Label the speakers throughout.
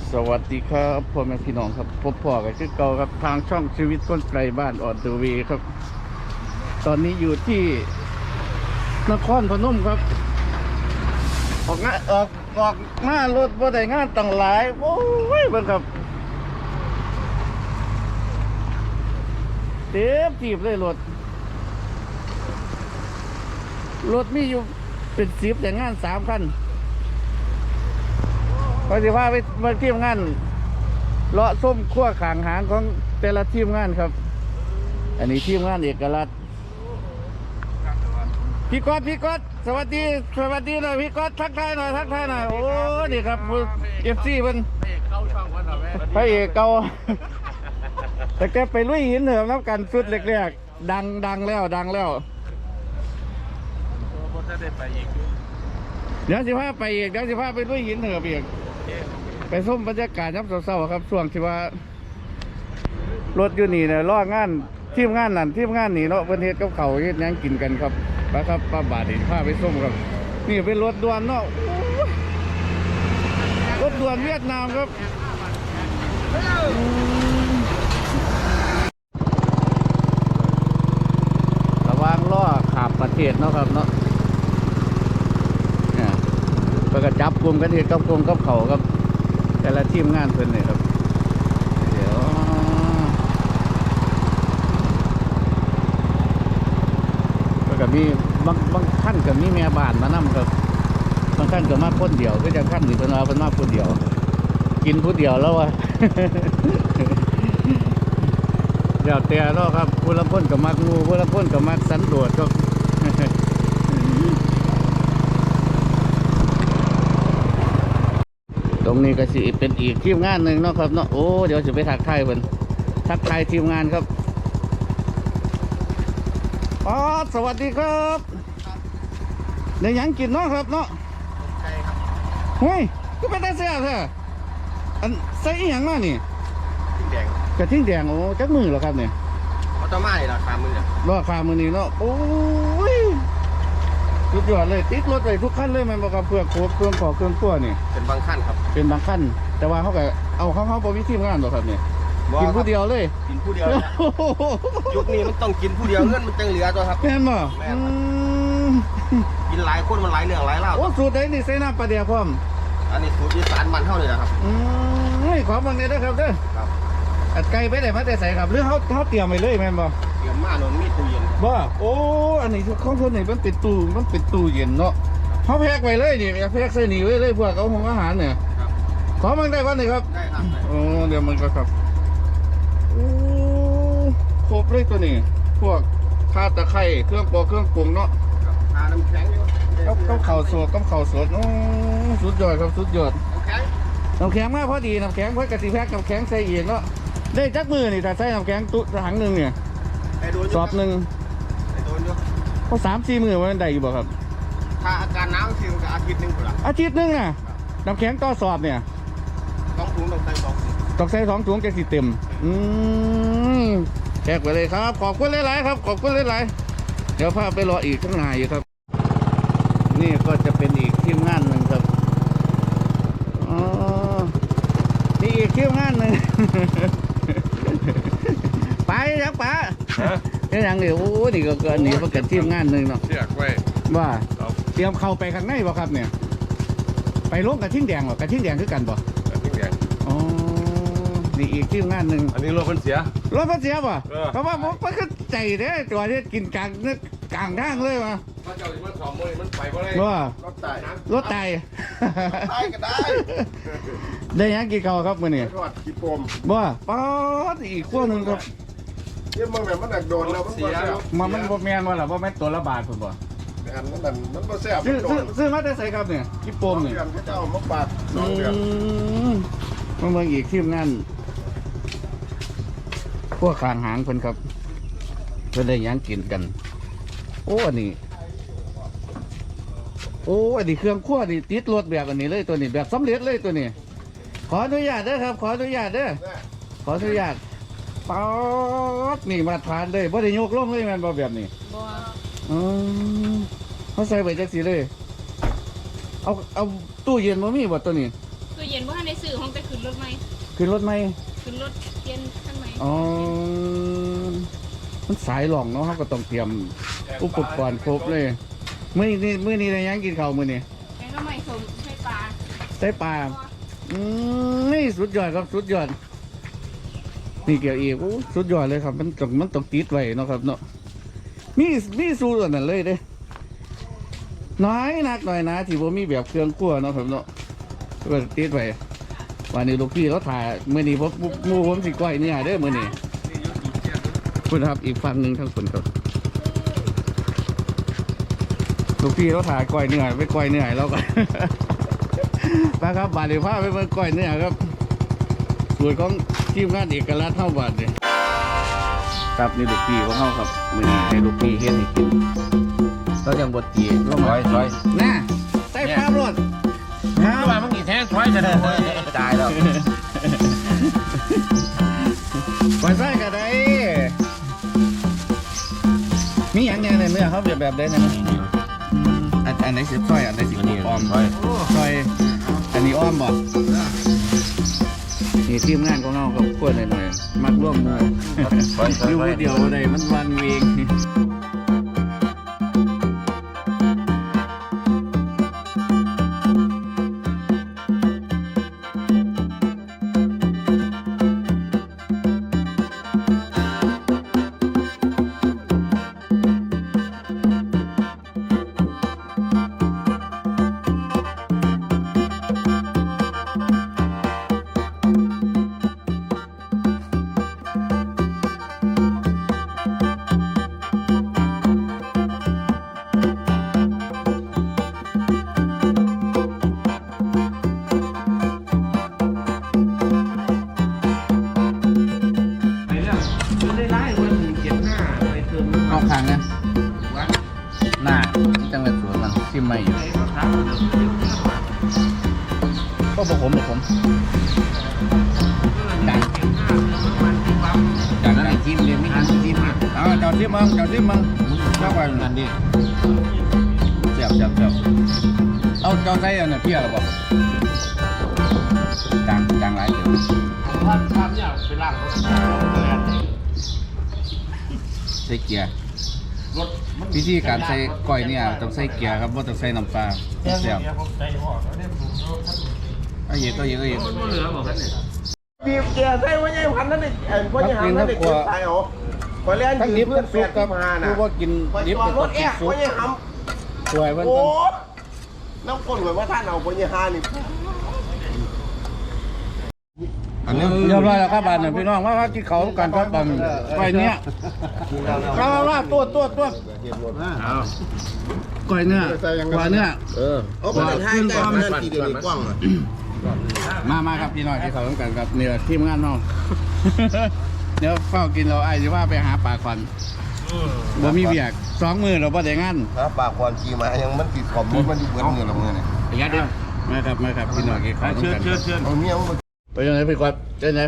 Speaker 1: สวัสดีครับพ่อแม่พี่น้องครับพบพ่อกันคือเก่าครับทางช่องชีวิตคนไกลบ้านออดดูวีครับตอนนี้อยู่ที่นครพนมครับออกหน้ารถบ่ได้งานตั้งหลายโอ้ยเบิ่งครับเต็มทีบเลยรถมีอยู่เป็น10แต่งาน3 คันพอสิพาไปมาทีมงานเลาะส้มขั้วขางหางของแต่ละทีมงานครับอันนี้ทีมงานเอกลักษณ์พี่ก๊อตสวัสดีหน่อยพี่ก๊อตทักทายหน่อยโอ้นี่ครับเอฟซีมันพระเอกเก่าแต่แกไปลุยหินเหิมนับกันสุดเล็กๆดังแล้วเดี๋ยวสิพาไปอีกเดี๋ยวสิพาไปลุยหินเหิมอีกไปส้มบรรยากาศยับเศร้าๆครับช่วงที่ว่ารถอยู่นี่เนี่ยล้องานทีมงานนั่นทีมงานนี่เนาะประเทศกับเขาเฮ็ดยังกินกันครับนะครับป้าบาทนี่พาไปส้มครับนี่เป็นรถด่วนเนาะรถด่วนเวียดนามครับระวังล้อขับประเทศเนาะครับเนาะเนี่ยเพื่อจับกลุ่มกันเฮ็ดกับกลุ่มกับเขาครับแต่ละทีมงานเพิ่นเนี่ยครับเดี๋ยวแล้วก็มีบางขั้นกับมีแม่บ้านมานั่ครับบางขั้นกับมาคนเดียวก็จะขั้นหรือเป็นว่าเป็นมาคนเดียวกินผู้เดียวแล้ววะ เดี๋ยวเตี้ยแล้วครับผู้ละคนกับมักงูผู้ละคนกับมักสันโดษครับ ตรงนี้ก็สิเป็นอีกทีมงานหนึ่งเนาะครับเนาะโอ้เดี๋ยวจะไปทักทายเพิ่นทักทายทีมงานครับอ๋อสวัสดีครับเดี๋ยวยังกินเนาะครับเนาะ
Speaker 2: ใช่ครับ
Speaker 1: เฮ้ยก็เป็นตาเสียเถอะอันใส่อีหยังมานี่
Speaker 2: ทิ้งแดง
Speaker 1: กระทิ่งแดงโอ้จักมือเหรอครับเนี่ย
Speaker 2: ออโตมาราคามือเนี่ย
Speaker 1: ราคามือนี้เนาะโอ้ยสุดยอดเลยติดรถเลยทุกขั้นเลยมันบอกกับเพื่อโคบเครื่องขอเครื่องตัวนี่
Speaker 2: เป็นบางขั้นครับ
Speaker 1: เป็นบางขั้นแต่ว่าเขาก็เอาเขาบริทีมงานหรอครับเนี่ยกินผู้เดียวเลย
Speaker 2: กินผู้เดียวยุคนี้มันต้องกินผู้เดียวเงินมันจังเหลือตัวครับ
Speaker 1: แม่นบ่
Speaker 2: กินหลายคนมันหลายเรื่องหลายเล่า
Speaker 1: โอ้สูตรไหนนี่ใส่น้ำปลาเดียวพร้อม
Speaker 2: อันนี้สูตรอีสานมันเท่านี้นะครับ
Speaker 1: ขอบางเนี่ยนะครับเด้อ
Speaker 2: ครับ
Speaker 1: อัดไก่ไปไหนมาแต่ใส่ครับหรือเขาเตรียมไปเลยแม่นบ่
Speaker 2: เตรียมมาโน่นมีตู้เย็น
Speaker 1: บ่โอ้อันนี้ของคนนี่มันเป็นตู้เย็นเนาะเขาแพ็กไว้เลยนี่แพ็กใส่นี่ไว้เลยพวกเอาของอาหารเนี่ยขอมันได้วันไหนครับ
Speaker 2: ได้ครับ
Speaker 1: โอ้เดี๋ยวมันก็ครับโอ้ครบเลยตัวนี้พวกข่าตะไคร้เครื่องปอกเครื่องปรุงเนาะ
Speaker 2: ทาน้ำแข็งอยู่
Speaker 1: กับข้าวสดโอ้สุดยอดครับสุดยอด
Speaker 2: น้ำแข็ง
Speaker 1: น้ำแข็งมากพอดีน้ำแข็งเพื่อกะทิแพ็กน้ำแข็งใส่เองเนาะได้จักมือนี่ถ้าใส่น้ำแข็งตุ๊ถังหนึ่งเนี่ยสอบหนึ่งเขา3-4 มือมันได้อยู่บ่ครับ
Speaker 2: ถ้าอาการหนาวคือมันก็อาทิตย์หนึ่งคนละ
Speaker 1: อาทิตย์นึงน่ะน้ำแข็งต่อสอบเนี่ย
Speaker 2: 2 ถุงต้องใส่2 ถุง
Speaker 1: ต้องใส่2 ถุงจะสิเต็มแจกไปเลยครับขอบคุณหลายๆครับขอบคุณหลายๆเดี๋ยวพาไปรออีกข้างในอยู่ครับนี่ก็จะเป็นอีกทีมงานหนึ่งครับอ๋อนี่อีกทีมงานหนึ่ง ไปยักป๋านี่อย่างนี้โอ้นี่ก็เกินนี่มันเกิดทีมงานหนึ่งเนาะ
Speaker 3: เชือกไว้
Speaker 1: ว่าเตรียมเข้าไปข้างในบ่ครับเนี่ยไปลงกระทิ่งแดงบ่กระทิ่งแดงคือกันบ่
Speaker 3: ทิ้งแดง
Speaker 1: อ๋อนี่อีกทีมงานหนึ่ง
Speaker 3: อันนี้รถมันเสีย
Speaker 1: ป่ะเพราะว่ามันก็ใจเด้ตัวที่กินกลางทางเลยมา
Speaker 3: พระเจ้าที่มัน2 มือมันไปบ่ได้
Speaker 1: ว่าร
Speaker 2: ถไต่ได้ก็ได้
Speaker 1: ได้ยังกี่เก่าครับมื้อนี้
Speaker 2: ทอดขี้ปม
Speaker 1: ว่าป๊อดอีกขั้วหนึ่งครับ
Speaker 2: เนี่ยมันแบบมันโดนแล้วมันเสีย
Speaker 1: มันบ่แม่นว่าล่ะบ่แม่นตัวละบาทพุ่นบ่
Speaker 2: อันนั้นมันบ่แซ่บ
Speaker 1: ซื้อมาได้ใส่ครับเนี่ยกี่ปมนี่
Speaker 2: เขาจะเอามาปาด2 เดือน
Speaker 1: มันเบิ่งอีกทีมงานพวกข้างหางเพิ่นครับเพิ่นได้ยังกินกันโอ้อันนี้อันนี้เครื่องคั่วนี่ติดรถแบบอันนี้เลยตัวนี้แบบสำเร็จเลยตัวนี้ขออนุญาตเด้อครับขออนุญาตป๊อดนี่มาทานเลยบ่ได้ยกลงเลยแม่นบ่แบบนี้บ่เขาใส่ไว้จังซี่เลยเอาตู้เย็นบ่มีบ่ตัวนี้
Speaker 4: ตู้เย็นว่าในสื่อห้องแต่ขึ้นรถไหม
Speaker 1: ขึ้นรถไหม
Speaker 4: ขึ้นรถเย็นขั้นไหม
Speaker 1: อ๋อมันสายหล่องเนาะเขาก็ต้องเตรียมอุปกรณ์ครบเลยมื้อนี้ได้ยังกินข้าวมื้อนี้
Speaker 4: แกงก็ไม่สมใช่ปลา
Speaker 1: ได้ปลานี่สุดยอดครับสุดยอดนี่เกี่ยวอีกโอ้สุดยอดเลยครับมันต้องติดไว้เนาะครับเนาะมีสูตรอันนั้นเลยเด้น้อยนักหน่อยนะที่ผมมีแบบเครื่องคั่วเนาะครับเนาะก็ติดไว้วันนี้ลูกพี่เขาถ่ายมื้อนี้ผมสิก้อยเนี่ยเด้อมื้อนี้คุณครับอีกฝั่งหนึ่งทั้งคนครับลูกพี่เขาถ่ายก้อยเนื้อไปก้อยเนื้อแล้วก็ ไปครับบาดเดี๋ยวพาไปเบิ่งก้อยเนื้อครับส่วนของทีมงานเอกลักษณ์เท่าบาดเนี่ยครับนี่ลูกพี่ของเขาครับมื้อนี้ให้ลูกพี่เฮ็ดให้กินเรายังบดตีเรามาน่ะใส่ภาพรถ
Speaker 2: ว่ามึงกี่แท้ถอยจะได้ตายแล้ว
Speaker 1: ก่อนใส่ก็ได้มีอย่างเนี้ยในเนื้อเขาแบบได้นะอันไหนสิซอยอันไหนสิอ้อมซอยอันนี้อ้อมบ่นี่ทีมงานของเราครับกวนหน่อยๆมักร่วมมืออยู่ผู้เดียวใดมันวันเวงเอาขังนะหน้าจังหวัดสวนมันชิมไม่อยู่ก็บอกผมจากนั้นไอ้จิ้มเรียนไม่ทันจิ้มเอาเจ้าจิ้มมึงเข้าไปนั่นดิเจ็บเอาเจ้าใส่อันนี้เพี้ยหรือเปล่าจางหลายเดี๋ยวใส่เกียร์วิธีการใส่ก้อยเนี่ยต้องใส่เกียร์ครับว่าต้องใส่น้ำปลาเสียบเอาเยอะ
Speaker 2: บีบเกียร์ใส่ไว้ยังพันนั่นเองพ่อยังหามนั่นเองตายเหรอคอยเล่น
Speaker 1: ทั้ง
Speaker 2: ยื
Speaker 1: ดิ
Speaker 2: ม
Speaker 1: บ
Speaker 2: เพื่อ
Speaker 1: ทั้
Speaker 2: น
Speaker 1: ง
Speaker 2: แฟ
Speaker 1: สุก
Speaker 2: น
Speaker 1: ครับ
Speaker 2: มาน่ะ
Speaker 1: คือว่ากินดิบ
Speaker 2: จอดรถ
Speaker 1: กิ
Speaker 2: แอะ
Speaker 1: นสุ
Speaker 2: พ่
Speaker 1: ก
Speaker 2: อยังหาม
Speaker 1: สวยมัน
Speaker 2: โอ้น้ำก้นเหมือนว่าท่านเอาพ่อยังหานี่
Speaker 1: อันนี้เรียบร้อยแล้วครับบ้านพี่น้องว่ากินเขากันครับบ้านก้อยเนี้ยว่าตัวก้อยเนื้อกว่าเนื้อ
Speaker 2: โอ้เป็นให้ได้มันทีเดียวกว้างเลย
Speaker 1: มาครับพี่น้องที่เขาต้องการครับเนี่ยทีมงานน้องเดี๋ยวเฝ้ากินเราไอ้จะว่าไปหาปลาควันบ่มีเบียก2 มื้อเราบ่ได้งาน
Speaker 2: ถ้าปากความจีมายังมันติดขอบมันอยู่เบื้องเงินละเมื่อเนี่ย
Speaker 1: ยัดดิมาครับพี่น้องที่เขาต้องการ
Speaker 2: เอาเมียมัน
Speaker 1: ไปยังไงพี่กวาดเจ๊ไหน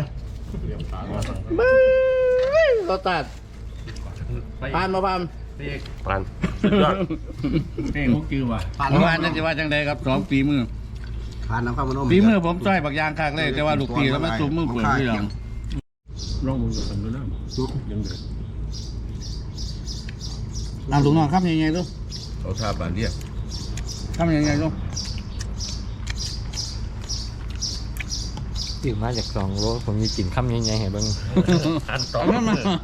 Speaker 1: รถตัดผ่าน
Speaker 3: ปัน
Speaker 1: เก่งมุกจือว่ะเมื่อวานนั่นจะว่าจังใดครับ2 ปีมือ
Speaker 2: ผ่านน้ำข้าวมันนุ่ม
Speaker 1: ปีมือผมจ้อยบักยางคากเลยแต่ว่าลูกปีแล้วมันซุ่มมือเปื่อยพี่น้องร้องมึงกับผมด้วยนะซุปยังเดือดลำถุงนอนครับยังไงลูก
Speaker 3: เขาทาบานเรียก
Speaker 1: ครับยังไงลูก
Speaker 5: ตื่นมาจาก2 โลผมมีกลิ่นข้ามยังไงเห็นบ้าง
Speaker 3: อันต่อ
Speaker 1: มา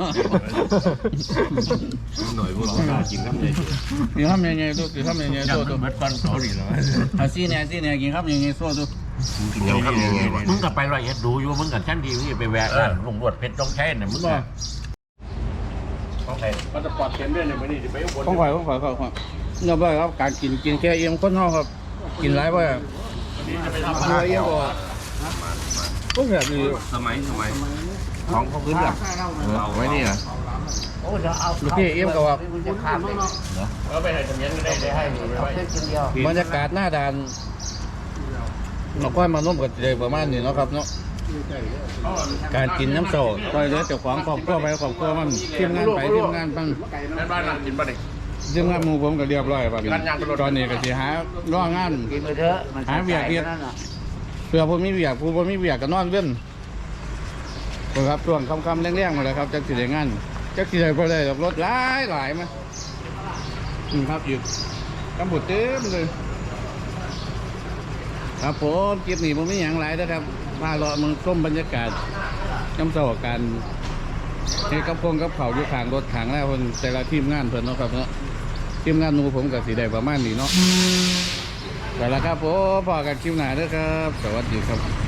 Speaker 3: หน่อยพวกเรากินครับเลย
Speaker 1: กินครับยังไงลูกกินครับยังไงโซ่ตัว
Speaker 3: เม็ดฟันเขาดีแล้ว
Speaker 1: อาซี่เนี่ยกินครับยังไงโซ่ตัว
Speaker 3: กินยังครับยังไง
Speaker 6: มึงกับไป101ดูอยู่มึงกับชั้นดีมึงไปแวะร้านลุงรวดเพชรต้องใช้เนี่ยมึง
Speaker 1: บ่
Speaker 6: ต้องใช้
Speaker 3: มันจะปลอดเข็มด้วยเนี่ยมันนี่จะไปอุบล
Speaker 1: ต้องข่อยครับเนี่ยบ่ครับการกินแค่เอ็มคนเฮาครับกินหลายบ่อะไรเอ็มบ่ก็แบบนี้
Speaker 3: สมัยของเขาขึ้นแบบเอาไว้นี่นะ
Speaker 1: ลูกพี่เอ็มก็ว่า
Speaker 6: เอาไปให้ทะเบียนก็ได้ให้
Speaker 1: บรรยากาศหน้าด่านเราค่อยมาร่วมกันเลยประมาณนี้เนาะครับเนาะการกินน้ำโซ่ต่อยเหลือเจ้าของครอบครัวไปครอบครัวมันทีมงานไปทีมงานบ้าง
Speaker 3: แม่บ้านนั่งกินป่ะเนี่ย
Speaker 1: ทีมงานหมู่ผมก็เรียบร้อยแบบนี้ตอนนี้ก็สิหาร่องานหาเวียกเฮ็ดเพื่อผมมีเวียกผู้ผมมีเวียกก็นอนเว้นครับช่วงค่ำๆแรงๆมาเลยครับจักสิได้งานจักสิได้บ่ได้รถหลายมาครับอยู่กำบุดเต็มเลยครับผมคลิปนี้ผมมีอย่างไรนะครับพาเรามึงส้มบรรยากาศน้ำเสาการให้กับพงกับเขาอยู่ข้างรถข้างแล้วคนแต่ละทีมงานเพิ่นเนาะครับเนาะทีมงานหนูผมกับสีได้ประมาณนี้เนาะแต่ละครับผมพอกันคลิปหน้าเด้อครับสวัสดีครับ